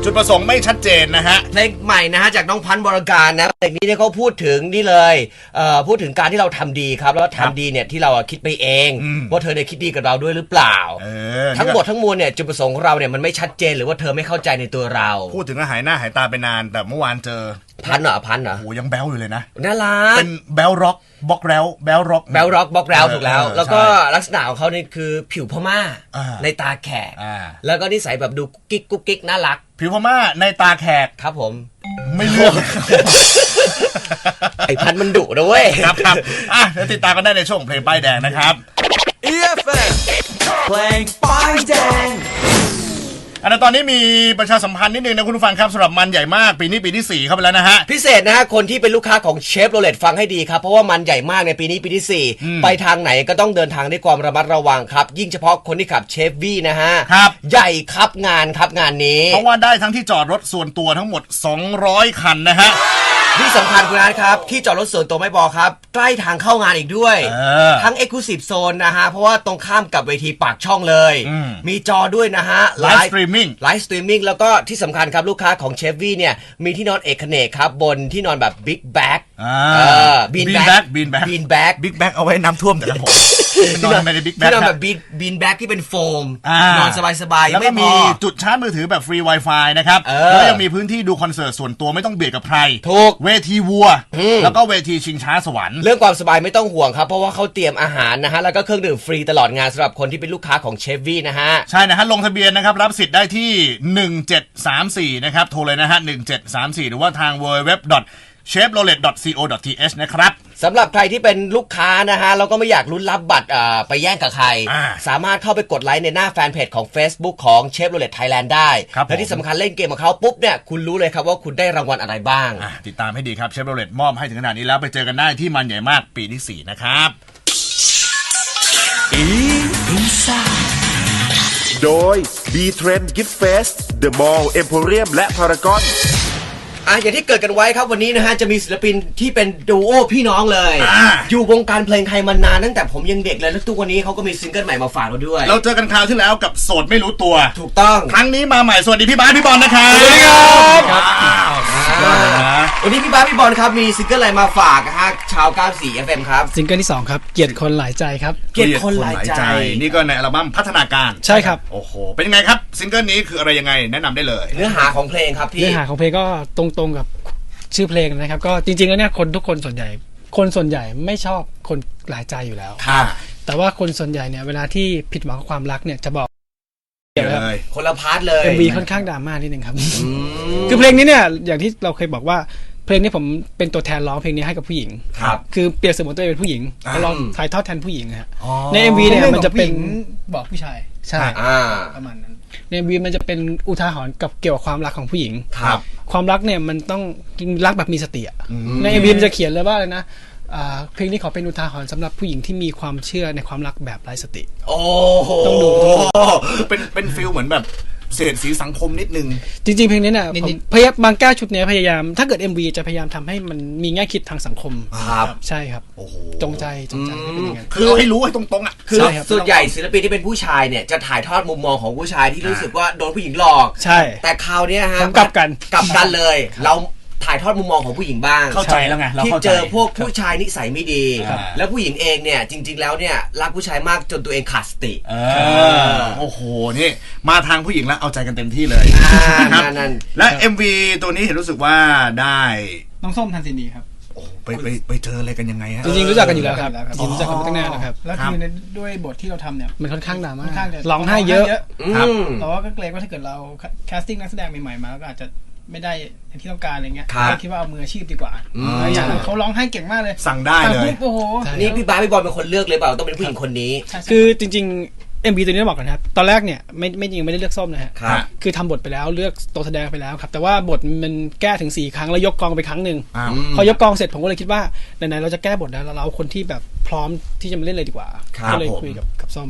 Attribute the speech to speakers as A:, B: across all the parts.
A: จุดประสงค์ไม่ชัดเจนนะฮะ
B: เพลงใหม่นะฮะจากน้องพันธ์วรการนะเพลงนี้เนี่ยเขาพูดถึงนี่เลยพูดถึงการที่เราทำดีครับแล้วทำดีเนี่ยที่เราคิดไปเองว่าเธอเนี่ยคิดดีกับเราด้วยหรือเปล่าทั้งหมดทั้งมวลเนี่ยจุดประสงค์ของเราเนี่ยมันไม่ชัดเจนหรือว่าเธอไม่เข้าใจในตัวเรา
A: พูดถึงแล้วหายหน้าหายตาไปนานแต่เมื่อวานเจอ
B: พันเหรอ
A: โอ้ยังแบ๊วอยู่เลยนะ
B: น่ารัก
A: เป็นแบ๊วร็อกบล็อกแล้วแบ๊วร็อก
B: บล็อกแล้วถูกแล้วแล้วก็ลักษณะของเขาเนี่ยคือผิวพม่าในตาแขกแล้วก็นิสัยแบบดูกุ๊กกิ๊กน่ารัก
A: ผิวพม่าในตาแขก
B: ครับผม
A: ไม่เลือก
B: ไอ้พันมันดุนะเว้ย
A: ครับเดี๋ยวติดตามกันได้ในช่วงเพลงป้ายแดงนะครับ
C: EFM เพลงป้ายแดง
A: ตอนนี้มีประชาสัมพันธ์นิดนึงนะคุณผู้ฟังครับสำหรับมันใหญ่มากปีนี้ปีที่4เข้าไปแล้วนะฮะ
B: พิเศษนะฮะคนที่เป็นลูกค้าของเชฟโรเลตฟังให้ดีครับเพราะว่ามันใหญ่มากในปีนี้ปีที่4ไปทางไหนก็ต้องเดินทางด้วยความระมัดระวังครับยิ่งเฉพาะคนที่ขับเชฟวี่นะฮะ
A: ครับ
B: ใหญ่ครับงานนี้
A: เพราะว่าได้ทั้งที่จอดรถส่วนตัวทั้งหมด200คันนะฮะ
B: ที่สำคัญคุณนัทครับที่จอดรถส่วนตัวไม่พอครับใกล้ทางเข้างานอีกด้วยทั้ง Exclusive Zone นะฮะเพราะว่าตรงข้ามกับเวทีปากช่องเลยมีจอด้วยนะฮะ
A: ไลฟ์สตรีม
B: มิ่งแล้วก็ที่สำคัญครับลูกค้าของเชฟวี่เนี่ยมีที่นอนเอกเนกครับบนที่นอนแบบบิ๊กแบ็ก
A: บีนแบ็กบิ๊กแบ็กเอาไว้น้ำท่วมแต่ละผมนอนไม่ได้บิ๊กแบ็ก
B: ที่นอนแบบบีนแบ็กที่เป็นโฟมนอนสบายๆ
A: แล้วก็มีจุดชาร์จมือถือแบบฟรี Wi-Fi นะครับแล้วยังมีพื้นที่ดูคอนเสิร์ตส่วนตัวไม่ต้องเบียดกับใคร
B: ถูก
A: เวทีวัวแล้วก็เวทีชิงช้าสวรรค์
B: เรื่องความสบายไม่ต้องห่วงครับเพราะว่าเขาเตรียมอาหารนะฮะแล้วก็เครื่องดื่มฟรีตลอดงานสำหรับคนที่เป็นลูกค้าของเชฟวี่นะฮะ
A: ใช่นะฮะลงทะเบียนนะครับรับสิทธิ์ได้ที่1734นะครับโทรเลยนะฮะ1734หรือว่าทาง www.chevrolet.co.th นะครับ
B: สำหรับใครที่เป็นลูกค้านะฮะเราก็ไม่อยากลุ้นรับบัตรไปแย่งกับใครสามารถเข้าไปกดไลค์ในหน้าแฟนเพจของ Facebook ของ Chevrolet Thailand ได้และที่สำคัญเล่นเกมกับเขาปุ๊บเนี่ยคุณรู้เลยครับว่าคุณได้รางวัลอะไรบ้าง
A: ติดตามให้ดีครับ Chevrolet มอบให้ถึงขนาดนี้แล้วไปเจอกันได้ที่มันใหญ่มากปีที่4นะครับ
C: Inside
D: โดย B-Trend Gift Fest The Mall Emporium และ Paragon
B: อย่างที่เกิดกันไว้ครับวันนี้นะฮะจะมีศิลปินที่เป็นดูโอพี่น้องเลยอยู่วงการเพลงไทยมานานตั้งแต่ผมยังเด็กเลยแล้วทุกวันนี้เขาก็มีซิงเกิลใหม่มาฝากเราด้วย
A: เราเจอกันคราวที่แล้วกับโสดไม่รู้ตัว
B: ถูกต้อง
A: ครั้งนี้มาใหม่สวัสดีพี่บาสพี่บอลนะครับ
B: สวัสดีครับวันนี้พี่บาสพี่บอลครับมีซิงเกิลอะไรมาฝากฮะชาว94 FM ครับ
E: ซิงเกิลที่2ครับเกลียดคนหลายใจครับ
B: เกลียดคนหลายใจ
A: นี่ก็ในอัลบั้มพัฒนาการ
E: ใช่ครับ
A: โอ้โหเป็นยังไงครับซิงเกิลนี้คืออะไรยังไงแนะนำได้เลย
B: เนื้อหาของเพลงครับพี่
E: เนื้อหาของเพลงก็ตรงกับชื่อเพลงนะครับก็จริงๆแล้วเนี่ยทุกคนส่วนใหญ่ไม่ชอบคนหลายใจอยู่แล้วแต่ว่าคนส่วนใหญ่เนี่ยเวลาที่ผิดหวังกับความรักเนี่ยจะบอก
B: คนละพาร์ทเลย
E: MV ค่อนข้างดราม่านิดนึงครับคือเพลงนี้เนี่ยอย่างที่เราเคยบอกว่าเพลงนี้ผมเป็นตัวแทนร้องเพลงนี้ให้กับผู้หญิงคือเปรียบเสมือนตัวเองเป็นผู้หญิงร้องถ่ายทอดแทนผู้หญิงฮะใน MV เนี่ยมันจะเป็นบอกผู้ชายใช่ประมาณนั้นใน MV มันจะเป็นอุทาหรณ์กับเกี่ยวกับความรักของผู้หญิงความรักเนี่ยมันต้องรักแบบมีสติใน MV มันจะเขียนเลยว่าอะไรนะเพลงนี้ขอเป็นอุทาหรณ์สำหรับผู้หญิงที่มีความเชื่อในความรักแบบไร้สติ
B: โอ้
E: ต้องดู
A: เป็นฟีลเหมือนแบบเศษสีสังคมนิดนึง
E: จริงๆเพลงนี้เนี่ยพยายามบางแก้วชุดนี้พยายามถ้าเกิด MV จะพยายามทำให้มันมีแง่คิดทางสังคม
B: ครับ
E: ใช่ครับจงใจให้เป็นอย่างนั้น
A: คือให้รู้ให้ตรงๆ
B: คือส่วนใหญ่ศิลปินที่เป็นผู้ชายเนี่ยจะถ่ายทอดมุมมองของผู้ชายที่รู้สึกว่าโดนผู้หญิงหลอก
E: ใช่
B: แต่คราวนี้ฮะ
E: กลับกัน
B: เลยเราถ่ายทอดมุมมองของผู้หญิงบ้าง
A: เข้าใจแล้วไง
B: ที่เจอพวกผู้ชายนิสัยไม่ดีแล้วผู้หญิงเองเนี่ยจริงๆแล้วเนี่ยรักผู้ชายมากจนตัวเองขาดสติ
A: โอ้โหนี่มาทางผู้หญิงแล้วเอาใจกันเต็มที่เลย
B: นะครับ
A: และ MV ตัวนี้เห็นรู้สึกว่าได้
E: น้องส้มทันซินีครับ
A: ไปเจออะไรกันยังไงฮะ
E: จริงๆรู้จักกันอยู่แล้วครับรู้จักกันมาตั้งนานแล้วครับ
F: แล้วคือด้วยบทที่เราทำเนี่ย
E: มันค่อนข้างดราม่า
F: ร้
E: องไห้เยอะ
F: แต่ว่าก็เกรงว่าถ้าเกิดเราแคสติ้งนักแสดงใหม่ๆมาก็อาจจะไม่ได้อย่างที่ต้องการอะไรเงี้ยคิดว่าเอามืออาชีพดีกว่าอย่างเขาร้องไห้เก่งมากเลย
A: สั่งได้เลย
F: โอ้โห
B: นี่พี่บาสพี่บอลเป็นคนเลือกเลยเปล่าต้องเป็นผู้หญิงคนนี้
E: คือจริงๆ MV ตัวนี้ต้องบอกกันครับตอนแรกเนี่ยไม่จริงไม่ได้เลือกส้มนะฮะคือทำบทไปแล้วเลือกตัวแสดงไปแล้วครับแต่ว่าบทมันแก้ถึง4ครั้งแล้วยกกองไปครั้งนึงพอยกกองเสร็จผมก็เลยคิดว่าไหนๆเราจะแก้บทแล้วเราเอาคนที่แบบพร้อมที่จะมาเล่นเลยดีกว่าก็เลยคุยกับส้มเลยครับ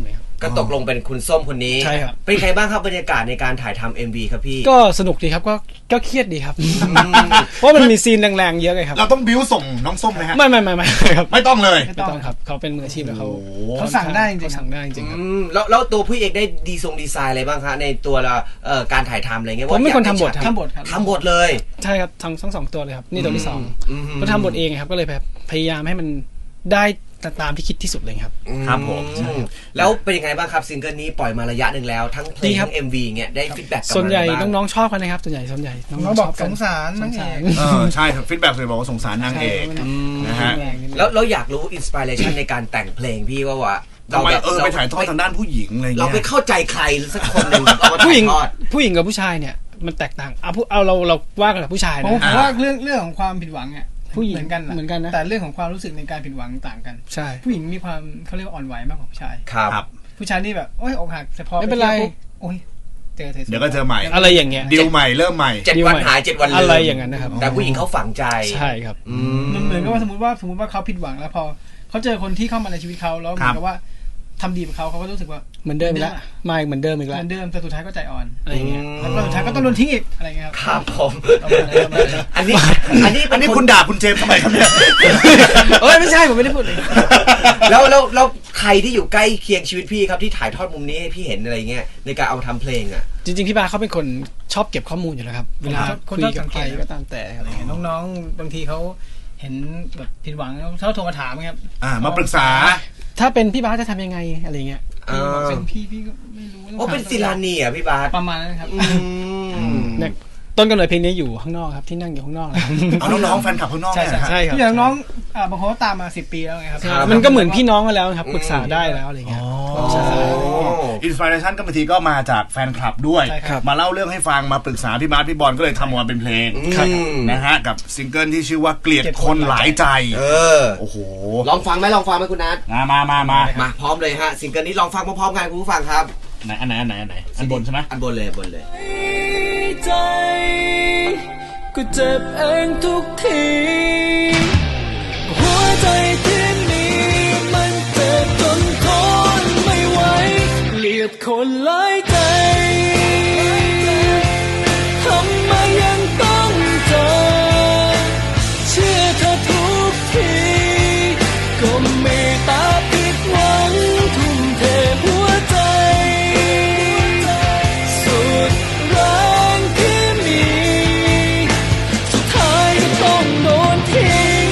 B: ก็ตกลงเป็นคุณส้มคนนี้
E: ใช่ครับ
B: เป็นไงบ้างครับบรรยากาศในการถ่ายทำ MV ครับพี่
E: ก็สนุกดีครับก็เครียดดีครับ เพราะมันมีซีนแรงๆเยอะไงครับ
A: เราต้องบิ้วส่งน้องส้มไหมฮะ
E: ไม่ครับ
A: ไม่ต้องเลย
E: ไม่ต้องครับเขาเป็นมืออาชีพแล้วเขา
F: สั่งได้จริงๆ
E: เขาสั่งได้จริงๆครับ
B: แล้วตัวพี่เอกได้ดีไซน์อะไรบ้างคะในตัวการถ่ายทำอะไรเงี้ย
E: ผมเป็นคนทำบท
B: ว่าอยาก
F: ทำบทครับ
B: ทำบทเลย
E: ใช่ครับทั้งสองตัวเลยครับนี่ตัวที่สอง
B: อืม
E: ก็ทำบทเองครับก็เลยแบบพยายามให้มันได้ตามที่คิดที่สุดเลยครับ
A: ครับผม
B: แล้วเป็นยังไงบ้างครับซิงเกิลนี้ปล่อยมาระยะหนึ่งแล้วทั้งเพล
E: ดี
B: ง
E: ครับ
B: ทั้ง MV เงี้ยได้ฟีดแบ็กกลับมา
E: ส่วนใหญ่
B: บ้าง
E: น้องๆชอบกันนะครับส่วนใหญ่น้
F: น้
E: อ
F: อง ง
E: ๆ
F: บอก
E: ชอบกั
F: ส
E: น
F: งสารนางเอก
A: ใช่ครับฟีดแบ็กเลยบอกว่าสงสารนางเอก นะฮะ
B: แล้วอยากรู้อินสปิเรชันในการแต่งเพลงพี่ว่า
A: ทำไมไปถ่ายทอดทางด้านผู้หญิงอะไร
B: เรา
A: เงี้
B: ไป
A: ย
B: เข้าใจใครสักคนหนึ่งเอามา
E: ผู้หญิง
B: ถ่ายทอด
E: กับผู้ชายเนี่ยมันแตกต่างเอาเราว่ากันแบบผู้ชาย
F: ผ
E: นะ
F: มว่าเรื่องของความผิดหวังเนี่ย
E: ผู้หญิง
F: เหมือนกัน
E: เหมือนกันนะ
F: แต่เรื่องของความรู้สึกในการผิดหวังต่างกัน
E: ใช่
F: ผู้หญิงมีความเขาเรียกว่าอ่อนไหวมากกว่าผู้ชาย
B: ครับ
F: ผู้ชายนี่แบบโอ้ยอกหักแต่พอ
E: ไม่เป็นไร
F: ที่ยวปุ๊บโอ้ยเจอเธอสวย
A: เดี๋ยวก็เจอใหม่
E: อะไรอย่างเงี้ย
A: ดิวใหม่เริ่มใหม่
B: 7 วันหาย 7 วันลืม
E: อะไรอย่างนั้นนะครับ
B: แต่ผู้หญิงเขาฝังใจ
E: ใช่ครับ
F: มันเหมือนกับว่าสมมติว่าเขาผิดหวังแล้วพอเขาเจอคนที่เข้ามาในชีวิตเขาแล้วเหมือนกับว่าทำดีกับเขาก็รู้สึกว่า
E: เหมือนเดิมอีกแล้วมาอีกเหมือนเดิมอีก
F: เห
E: แล้ว
F: มือนเดิมแต่สุดท้ายก็ใจอ่อน
E: อะไรอย่างเงี้ย
F: แล้วก็สุดท้ายก็ต้องโดนทิ้งอีกอะไรเงี้ย
B: ครับผม
F: ประมาณนั้นประมาณนั้น
B: อันนี้
A: อันนี้คุณด่าคุณเจมส์ทำไมครับเนี่ย
E: เอ้ยไม่ใช่ผมไม่ได้พูดเลย
B: แล้วใครที่อยู่ใกล้เคียงชีวิตพี่ครับที่ถ่ายทอดมุมนี้ให้พี่เห็นอะไรเงี้ยในการเอามาทำเพลงอ่ะ
E: จริงๆพี่บาเขาเป็นคนชอบเก็บข้อมูลอยู่แล้วครับเวลา
F: คน
E: คุย
F: ชอบ
E: กั
F: สั
E: บ
F: ง
E: ใค
F: เก
E: ร
F: ต
E: ก็ตามแต่อะไรอย่างเงี้ย
F: น้องๆบางทีเขาเห็นแบบผิดหวังเขาโทรมาถามครับ
A: มาปรึกษา
E: ถ้าเป็นพี่บาจะทำยังไงอะไรเงี้ย
F: เป็นพี่ก็ไม่รู้
B: โอ้เป็นศิลานีอ่ะพี่บาส
F: ประมาณนั้นครับ
E: เนี่ยต้นกำเนิดเพลงนี้อยู่ข้างนอกครับที่นั่งอยู่ข้างนอกนะครับ
A: เอาน้องๆแฟนคลับข้างนอกเนี่ยนะฮะ
E: ใช่ครับ
F: อย่างน้องบางคนก็ตามมา10 ปีแล้วไงครับ
E: มันก็เหมือนพี่น้องกันแล้วครับปรึกษาได้แล้วอะไรเงี้ย ใช่
A: อินสปิเรชันก็บางทีก็มาจากแฟนคลับด้วย
F: ใช่ครับ
A: มาเล่าเรื่องให้ฟังมาปรึกษาพี่บาสพี่บอลก็เลยทำออกมาเป็นเพลง
B: ครับ
A: นะฮะกับซิงเกิลที่ชื่อว่าเกลียดคนหลายใจ โอ้โห
B: ลองฟังไหมคุณนัท
A: มา
B: มาพร้อมเลยฮะซิงเกิลนี้ลองฟังพร้อมๆกันคุณผู้ฟังครับ
A: อันไหนอันบนใช่ไหม
B: อันบนเลย
C: ใจก็เจ็บเองทุกทีหัวใจที่มีมันเจ็บจนทนไม่ไหวเกลียดคนหลายใจทำไมยังต้องเจอเชื่อเธอทุกทีก็ไม่ตาผิดหวังทุ่มเทหัวใจสุดแรงที่มีสุดท้ายก็ต้องโดนทิ้ง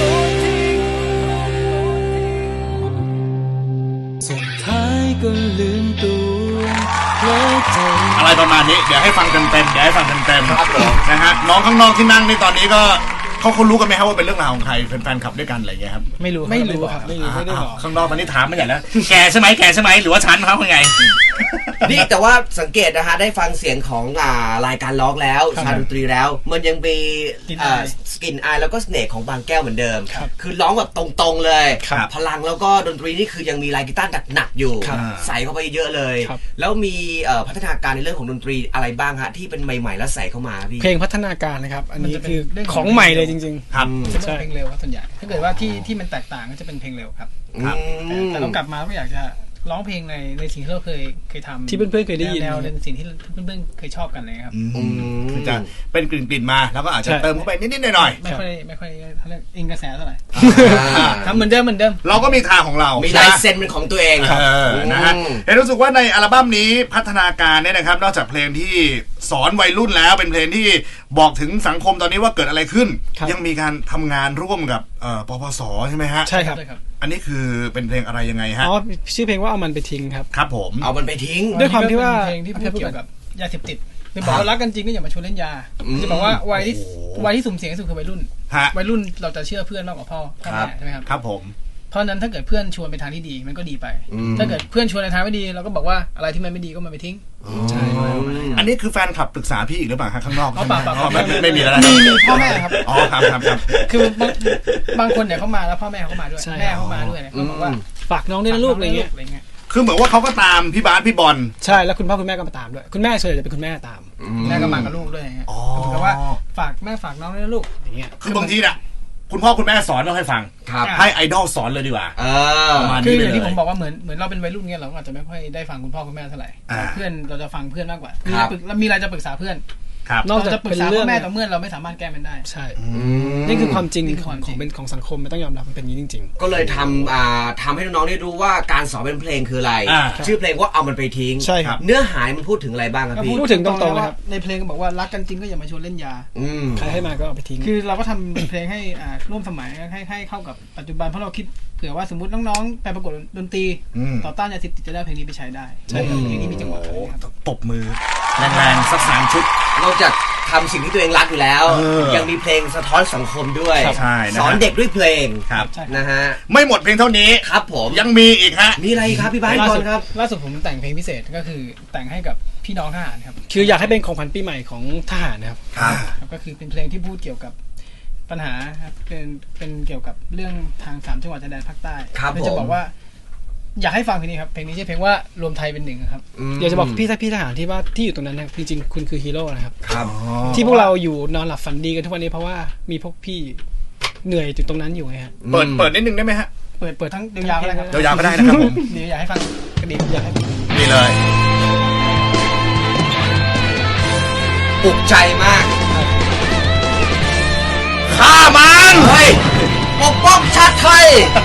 C: สุดท้ายก็ลืมตัวและใจ
A: อะไรประมาณนี้เดี๋ยวให้ฟังเต็มๆ
B: ครับผม
A: นะฮะน้องข้างนอกที่นั่งในตอนนี้ก็เขารู้กันไหมครับว่าเป็นเรื่องราวของใครเป็นแฟนคลับด้วยกันอะไรอย่างเงี้ยครับ
E: ไม่รู้ครับไม่ได้บอก
A: ข้างนอกตอนนี้ถามมาใหญ่แล้วแกใช่ไหมหรือว่าฉันเขาเป็นไง
B: นี่แต่ว่าสังเกตนะฮะได้ฟังเสียงของรายการร้องแล้วชาดนตรีแล้ว มันยังมีสกินอายแล้วก็เสน่ห์ของบางแก้วเหมือนเดิม คือร้องแบบตรงๆเลย
A: ครับ
B: พลังแล้วก็ดนตรีนี่คือยังมีลายกีตาร์หนักๆอยู่
E: ครับ
B: ใส่เข้าไปเยอะเลย
E: ครับ
B: แล้วมีพัฒนาการในเรื่องของดนตรีอะไรบ้างฮะที่เป็นใหม่ๆแล้วใส่เข้ามาพี่
E: เพลงพัฒนาการนะครับ อันนี้
F: มันจะเป็น
E: คือ
F: เรื่อง
E: ข
F: ข
E: อ
F: อง ง
E: ใหม่เลยจริง
A: ครับ
F: จะเป็นเพลงเร็วครับส่วนใหญ่ถ้าเกิดว่าที่มันแตกต่างก็จะเป็นเพลงเร็วครับ
A: ครับ
F: แต่เรากลับมาก็อยากจะร้องเพลงในสิ่งที่เราเคยทำ
E: ที่เพื่อนๆเคยได้ยิน
F: แนวในสิ่งที่เพื่อนๆเคยชอบกันเลยครับ
A: คือจะเป็นกลิ่นๆมาแล้วก็อาจจะ
E: ใช่
A: เติมเข้าไปนิดๆหน่อย
F: ไม่ค่อยเขาเรียกอิงกระแสเท่าไหร่
B: อ่า
F: ครับเหมือนเดิม
A: ๆเราก็มีทางของเรา
B: มีลายเซ็นเป็นของตัวเอง
A: นะฮะเห็นรู้สึกว่าในอัลบั้มนี้พัฒนาการเนี่ยนะครับนอกจากเพลงที่สอนวัยรุ่นแล้วเป็นเพลงที่บอกถึงสังคมตอนนี้ว่าเกิดอะไรขึ้น
E: ครับ
A: ยังมีการทำงานร่วมกับปปสใช่ไหมฮะ
E: ใช่ครับ
F: ใช่ครับ
A: อันนี้คือเป็นเพลงอะไรยังไงฮะ
E: อ๋อชื่อเพลงว่าเอามันไปทิ้งครับ
A: ครับผม
B: เอามันไปทิ้ง
E: ด้วยความที่ว่า
F: เพลงที่พูดเกี่ยวกับยาเสพติดคือบอกว่ารักกันจริงก็อย่ามาชวนเล่นยาจะบอกว่าวัยที่สุ่มเสี่ยงที่สุดคือวัยรุ่น
A: ฮะ
F: วัยรุ่นเราจะเชื่อเพื่อนมากกว่าพ่อแม่ใช่ไหมครับ
A: ครับผม
F: เพราะฉะนั้นถ้าเกิดเพื่อนชวนไปทางที่ดีมันก็ดีไป ถ้าเกิดเพื่อนชวนในทางไม่ดีเราก็บอกว่าอะไรที่มันไม่ดีก็มันไปทิ้ง
E: ใช่
A: อันนี้คือแฟนคลับปรึกษาพี่อีกหรือเปล่าฮะข้างนอก
F: อ๋อเปล่า
A: อ๋อไม่มีแล้วนะ
F: มีพ่อแม่ครับ
A: อ๋อครับครับครับ
F: คือบางคนเนี่ยเขามาแล้วพ่อแม่เขามาด้วย
E: ใช่
F: แม่เขามาด้วยเนี่ยเขาบอกว่า
E: ฝากน้องด้วยนะลูกอะไรเงี้ย
F: อะไรเงี้ย
A: คือเหมือนว่าเขาก็ตามพี่บาสพี่บอล
E: ใช่แล้วคุณพ่อคุณแม่ก็มาตามด้วยคุณแม่ส่วนใหญ่จะเป็นคุณแม่ตาม
F: แม่ก็มากับลูกด้วยอย่างเงี้ยเหมือนกับว่าฝากแม่ฝากน้องด้วยนะลูกอย่างเงี้ย
A: คือบางทีน่ะคุณพ่อคุณแม่สอนต้องให้ฟัง
B: ครับ
A: ให้ไอดอลสอนเลยดีกว่า ประมาณ
F: คือ
A: นี้
F: อย่างที่ผม
A: เลย
F: บอกว่าเหมือนเราเป็นวัยรุ่นเงี้ยเราก็อาจจะไม่ค่อยได้ฟังคุณพ่อคุณแม่เท่าไหร่ เพื่อนเราจะฟังเพื่อนมากกว่ามีอะไรจะปรึกษาเพื่อน
A: ครับ
E: นอก
F: เรา
E: จาก
F: จะปรึก
E: เป็น
F: ษา
E: เรื่
F: พ่
E: อง
F: อแม่ต่อเมื่อเราไม่สามารถแก้มันได้
E: ใช่นี่คือความจริงของเป็นของสังคมมันต้องยอมรับมันเป็นอย่างนี้จริง
B: ก็เลยทำให้น้องๆได้รู้ว่าการสอนเป็นเพลงคืออะไร ชื่อเพลงว่าเอามันไปทิ้ง
E: ใช่ครับ
B: เนื้อหามันพูดถึงอะไรบ้างครับ
F: ก็
B: พี่
E: พูดถึงตรงๆเลยครับ
F: ในเพลงก็บอกว่ารักกันจริงก็อย่ามาชวนเล่นยา
E: ๆใครให้มาก็เอาไปทิ้ง
F: คือเราก็ทำเพลงให้ร่วมสมัยให้เข้ากับปัจจุบันเพราะเราคิดเผื่อว่าสมมติน้องๆไปประกวดดนตรีต่อต้านยาเสพติดจะได้เพลงนี้ไปใช้ได้ใช่เพลงนี้มีจังหวะ
A: ตบมือแรงๆสัก3 ชุด
B: นอกจากทำสิ่งที่ตัวเองรักอยู่แล้ว ยังมีเพลงสะท้อนสังคมด้วย
A: ใช่นะฮะ
B: สอนเด็กด้วยเพลง
A: ครับ
B: นะฮะ
A: ไม่หมดเพียงเท่านี้
B: ครับผม
A: ยังมีอีกฮะ
B: มีอะไรครับพี่บ้านก่อนครับ
F: ล่าสุดผมแต่งเพลงพิเศษก็คือแต่งให้กับพี่น้องทหารครับ
E: คืออยากให้เป็นของขวัญปีใหม่ของทหารนะครับ
A: ครับ
F: ก็คือเป็นเพลงที่พูดเกี่ยวกับปัญหาครับเป็นเกี่ยวกับเรื่องทาง3จังหวัดชายแดนภาคใต้
B: ครับ
F: เราจะบอกว่า อยากให้ฟังเพลงนี้ครับเพลงนี้ชื่อเพลงว่ารวมไทยเป็นหนึ่งครับ
E: อยากจะบอกพี่ทหารที่ว่าที่อยู่ตรงนั้นนะครับจริงๆคุณคือฮีโร่นะครับ
B: ครับ
E: ที่พวกเราอยู่นอนหลับฝันดีกันทุกวันนี้เพราะว่ามีพวกพี่เหนื่อยอยู่ตรงนั้นอยู่ไงฮะ
A: เปิดนิดนึงได้ไหมฮะ
F: เปิดทั้งยาวๆก็ได้ครับ
A: ยาวๆก็ได้นะครับผม
F: เดี๋ยวอยากให้ฟังกระดิ่งอยากให้
A: นี่เลย
B: ปลุกใจมาก
A: ฆ่ามัน
B: เฮ้ย ปกป้องชาติไทย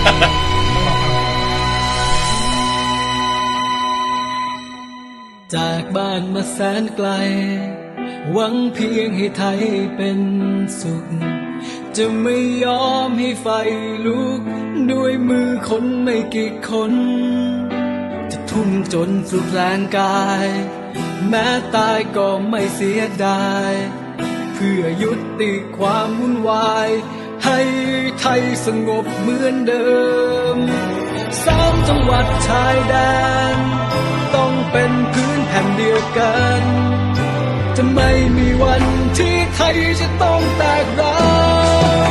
C: จากบ้านมาแสนไกล หวังเพียงให้ไทยเป็นสุข จะไม่ยอมให้ไฟลุก ด้วยมือคนไม่กี่คน จะทุ่มจนสุดแรงกาย แม้ตายก็ไม่เสียดาย เพื่อยุติความวุ่นวาย ให้ไทยสงบเหมือนเดิม3 จังหวัดชายแดน ต้องเป็นพื้นแผ่นเดียวกัน จะไม่มีวันที่ไทยจะต้องแตกร้าว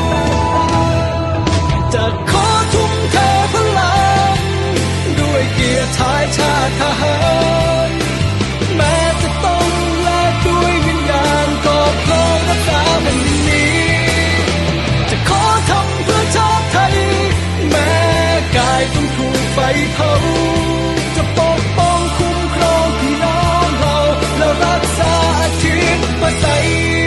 C: จะขอทุ่มเทพลัง ด้วยเกียรติชายชาติทหารแม้จะต้องแลกด้วยวิญญาณก็พร้อมรักษาแผ่นดินนี้ จะขอทำเพื่อชาติไทย แม้กายต้องถูกไฟเผาจะปกป้องคุ้มครองพี่น้องเราและรักษาอาทิตย์มาใส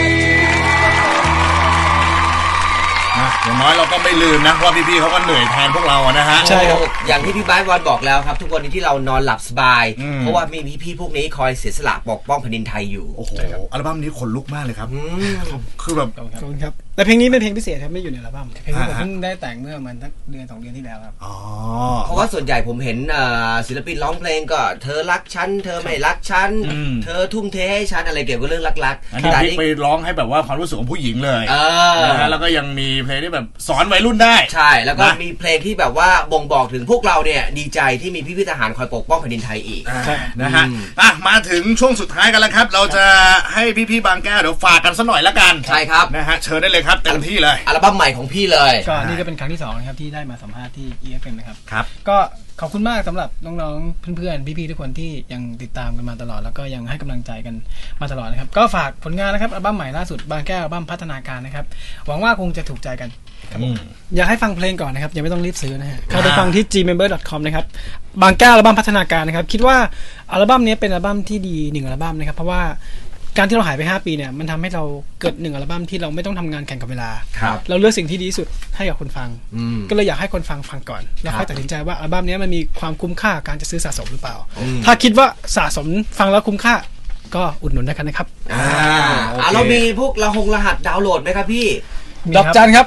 A: อย่างน้อยเราก็ไม่ลืมนะว่าพี่ๆเขาก็เหนื่อยแทนพวกเราอะนะฮะ
E: ใช่ครับ
B: อย่างที่พี่บ้านวอนบอกแล้วครับ ทุกวันนี้ที่เรานอนหลับสบาย เพราะว่ามีพี่ๆพวกนี้คอยเสียสละปกป้องแผ่นดินไทยอยู่
A: โอ้โห อัลบั้มนี้ขนลุกมากเลยครับ คือแบบ
E: ขอบคุณครับแต่เพลงนี้เป็นเพลงพิเศษครับไม่อยู่ในอัลบั้ม
F: เพลงนี้ผมเพิ่งได้แต่งเมื่อมันสักเดือน2 เดือนที่แล้วครับ
A: อ๋อ
B: เพราะว่าส่วนใหญ่ผมเห็นศิลปินร้องเพลงก็เธอรักฉันเธอไม่รักฉัน เธอทุ่มเทให้ฉันอะไรเกี่ยวกับเรื่องรัก
A: อัน
B: ๆ
A: นี้
B: แต่
A: พลิก
B: นี่
A: ไปร้องให้แบบว่าความรู้สึกของผู้หญิงเลย
B: เออ
A: นะฮะแล้วก็ยังมีเพลงที่แบบสอนวัยรุ่นได้
B: ใช่แล้วก็
A: นะ
B: มีเพลงที่แบบว่าบ่งบอกถึงพวกเราเนี่ยดีใจที่มีพี่ๆทหารคอยปกป้องแผ่นดินไทยอีก
A: นะฮะมาถึงช่วงสุดท้ายกันแล้วครับ เราจะให้พี่ๆบางแก้วเดี๋ยวฝากกันสักหน่อยละกัน
B: ใช่ครับ
A: นะฮะเชิญได้เลยครับเต็มที่เลย
B: อัลบั้มใหม่ของพี่เลย
F: ก็นี่ก็เป็นครั้งที่2นะครับที่ได้มาสัมภาษณ์ที่ EFM นะครับ
A: ครับ
F: ก็ขอบคุณมากสำหรับน้องๆเพื่อนๆพี่ๆทุกคนที่ยังติดตามกันมาตลอดแล้วก็ยังให้กำลังใจกันมาตลอดนะครับก็ฝากผลงานนะครับอัลบั้มใหม่ล่าสุดบางแก้วอัลบั้มพัฒนาการนะครับหวังว่าคงจะถูกใจกัน
E: อยากให้ฟังเพลงก่อนนะครับยังไม่ต้องรีบซื้อนะฮะเข้าไปฟังที่ gmember.com นะครับบางแก้วอัลบั้มพัฒนาการนะครับคิดว่าอัลบั้มนี้เป็นอัลบั้มที่ดี1อัลบั้มนะครับเพราะว่าการที่เราหายไป5 ปีเนี่ยมันทำให้เราเกิด1อัลบั้มที่เราไม่ต้องทำงานแข่งกับเวลา
B: ครับ
E: เราเลือกสิ่งที่ดีที่สุดให้กับคนฟัง ก็เลยอยากให้คนฟังก่อนแล้วค่อยตัดสินใจว่าอัลบั้มนี้มันมีความคุ้มค่าการจะซื้อสะสมหรือเปล่า ถ้าคิดว่าสะสมฟังแล้วคุ้มค่าก็อุดหนุนได้กันนะครับ
B: เรามีพวกรหัสดาวน์โหลดไหมครับพี่
E: ดอกจันครับ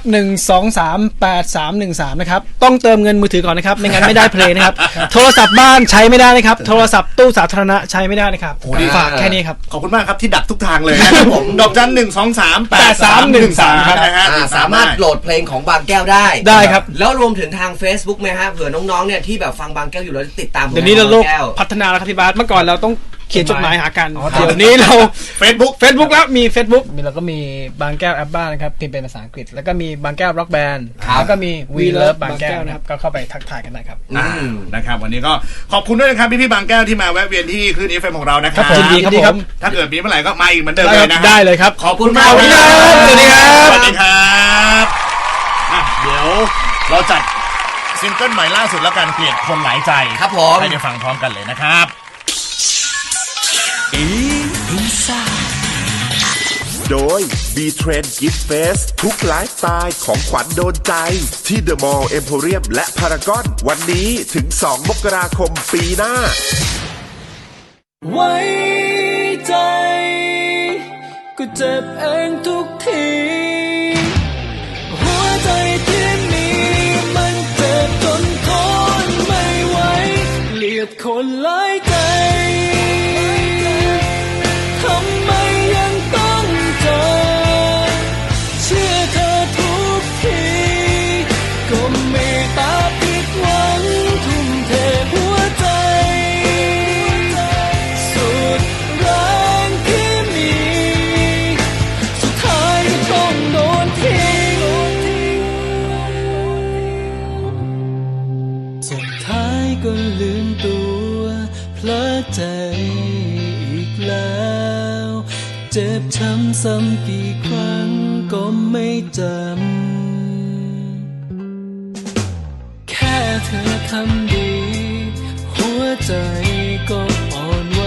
E: 1238313นะครับต้องเติมเงินมือถือก่อนนะครับไม่งั้นไม่ได้เพลงนะครับ โทรศัพท์บ้านใช้ไม่ได้นะครับโทรศัพท์ตู้สาธารณะใช้ไม่ได้นะครับ
A: โอ้ดี
E: ฝากแค่นี้ครับ
A: ขอบคุณมากครับที่ดักทุกทางเลยนะครับผมดอกจัน1238313ครับนะฮะ
B: สามารถโหลดเพลงของบางแก้วได้
E: ได้ครับ
B: แล้วรวมถึงทาง Facebook ไหมฮะเผื่อน้องๆเนี่ยที่แบบฟังบางแก้วอยู่แล้วติดตามผลง
E: เดี๋ยวนี้เราโลก
B: บางแก้ว
E: พัฒนาแล้วครับพี่บาสเมื่อก่อนเราต้องเขียนจดหมายหากันเดี๋ยวนี้เรา
A: Facebook
E: แล้วมี Facebook
F: เราก็มีบางแก้วแอปบ้านนะครับพิมพ์เป็นภาษาอังกฤษแล้วก็มีบางแก้วร็อกแบนด์
B: ครับ
F: แล้วก็มี We Love บางแก้ว
E: นะ
F: นะ
E: ค
F: ค
E: รั
F: รับ บก็เข้าไปทักทายกันได้ครับ
A: นะครับวันนี้ก็ขอบคุณด้วยนะครับพี่ๆบางแก้วที่มาแวะเวียนที่คลื่น FM ของเรานะค
E: ครั
A: รับบ
E: ผมยินดีครับผม
A: ถ้าเกิดมีเมื่อไหร่ก็มาอีกเหมือนเดิมเลยนะฮะ
E: ได้เลยครับ
A: ขอบคุณมาก
E: ขอบคุณครับ
A: ส
E: สวั
A: วัส
E: สดี
A: ดีค
E: ครั
A: รับ บสวัสดีครับเดี๋ยวเราจัดซิงเกิลใหม่ล่าสุดแล้วกันเกลียดคนหลายใจ
B: ครับผม
A: ให้ได้ฟังพร้อมกันเลยนะครับ
D: โดย B-Trend Gift Fest ทุกไลฟ์สไตล์ของขวัญโดนใจที่ The Mall Emporium และ Paragon วันนี้ถึง 2 มกราคมปีหน้า
C: ไว้ใจก็เจ็บเองทุกที หัวใจที่มีมันเจ็บจนทนไม่ไหวเกลียดคนหลายใจทำไมยังต้องเจอเชื่อเธอทุกทีก็มีตาผิดหวังทุ่มเทหัวใจสุดแรงที่มีสุดท้ายก็ต้องโดนทิ้งสุดท้ายก็ลืมตัวเพลอใจอีกแล้วเจ็บช้ำซ้ำกี่ครั้งก็ไม่จำแค่เธอคำดี หัวใจก็อ่อนไหว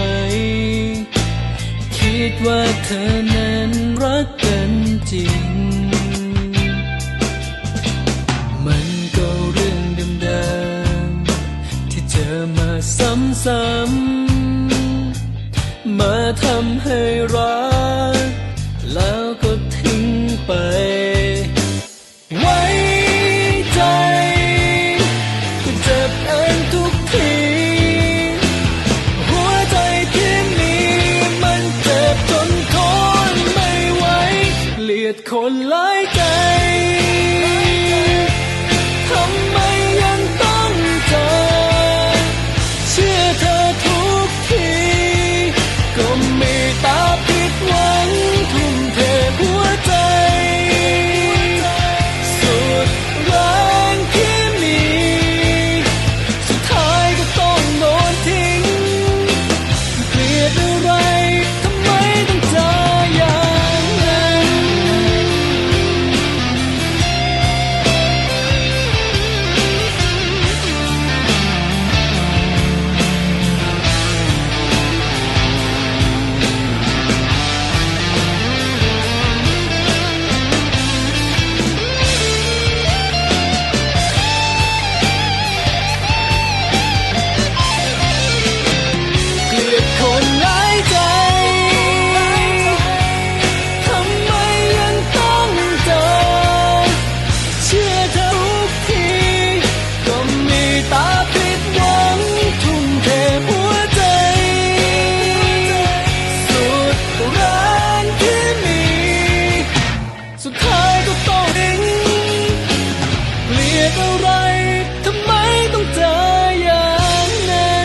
C: คิดว่าเธอนั้นรักกันจริง มันก็เรื่องเดิมๆที่เจอมาซ้ำๆมาทำให้รักแล้วก็ทิ้งไป ไว้ใจก็เจ็บเองทุกที หัวใจที่มีมันเจ็บจนทนไม่ไหวเกลียดคนหลายใจทำไมยังต้องเจอเชื่อเธอทุกทีก็มีตาผิดหวังทุ่มเทหัวใจสุดแรงที่มีสุดท้ายก็ต้องโดนทิ้งเกลียดอะไรทำไมต้องเจออย่างนั้น เกลียดคนหลายใจทำไมยังต้องเจอเชื่อเธอทุกทีก็มีตาผิดหวังทุ่มเทหัวใจสุดแรงที่มีสุดท้ายก็ต้องทิ้งเกลียดอะไรทำไมต้องเจออย่างนั้น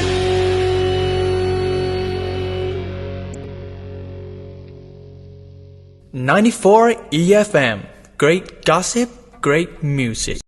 G: 94 EFM. Great gossip, great music.